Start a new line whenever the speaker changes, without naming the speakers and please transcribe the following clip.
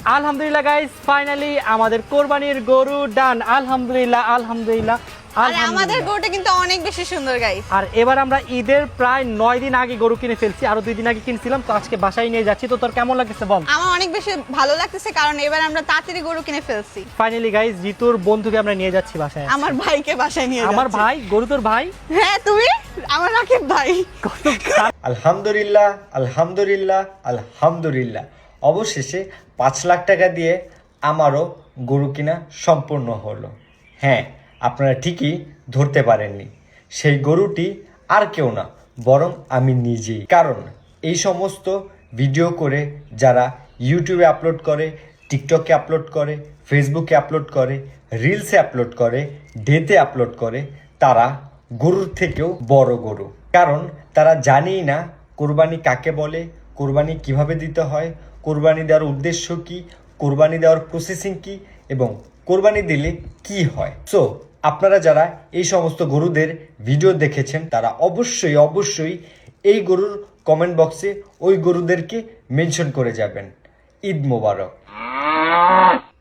আলহামদুলিল্লাহ guys, finally আমাদের কোরবানির গরু ডান। আলহামদুলিল্লাহ আলহামদুলিল্লাহ
আর আমাদের গরুটা কিন্তু অনেক বেশি সুন্দর গাইস।
আর এবার আমরা ঈদের প্রায় 9 দিন আগে গরু কিনে ফেলছি, আরো 2 দিন আগে কিনছিলাম, তো আজকে বাসায় নিয়ে যাচ্ছি। তো তোর কেমন লাগতেছে বল?
আমার অনেক বেশি ভালো লাগতেছে, কারণ এবার আমরা তাড়াতাড়ি গরু কিনে ফেলছি।
ফাইনালি গাইস, জিতুর বন্ধুকে আমরা নিয়ে যাচ্ছি বাসায়।
আমার ভাইকে বাসায় নিয়ে যাচ্ছি।
আমার ভাই? গরু তোর ভাই?
হ্যাঁ, তুমি আমার রাকিব ভাই।
আলহামদুলিল্লাহ আলহামদুলিল্লাহ আলহামদুলিল্লাহ, অবশেষে 5 লাখ টাকা দিয়ে আমারও গরু কিনা সম্পূর্ণ হলো। হ্যাঁ, আপনারা ঠিকই ধরতে পারেননি, সেই গরুটি আর কেউ না, বরং আমি নিজেই। কারণ এই সমস্ত ভিডিও করে যারা ইউটিউবে আপলোড করে, টিকটকে আপলোড করে, ফেসবুকে আপলোড করে, রিলসে আপলোড করে, ডেতে আপলোড করে, তারা গরুর থেকেও বড় গরু। কারণ তারা জানেই না কোরবানি কাকে বলে, কোরবানি কিভাবে দিতে হয়, কোরবানি দেওয়ার উদ্দেশ্য কি, কোরবানি দেওয়ার প্রসেসিং কি, এবং কোরবানি দিলে কি হয়। সো আপনারা যারা এই সমস্ত গরুদের ভিডিও দেখেছেন, তারা অবশ্যই অবশ্যই এই গরুর কমেন্ট বক্সে ওই গরুদেরকে মেনশন করে যাবেন। ঈদ মোবারক।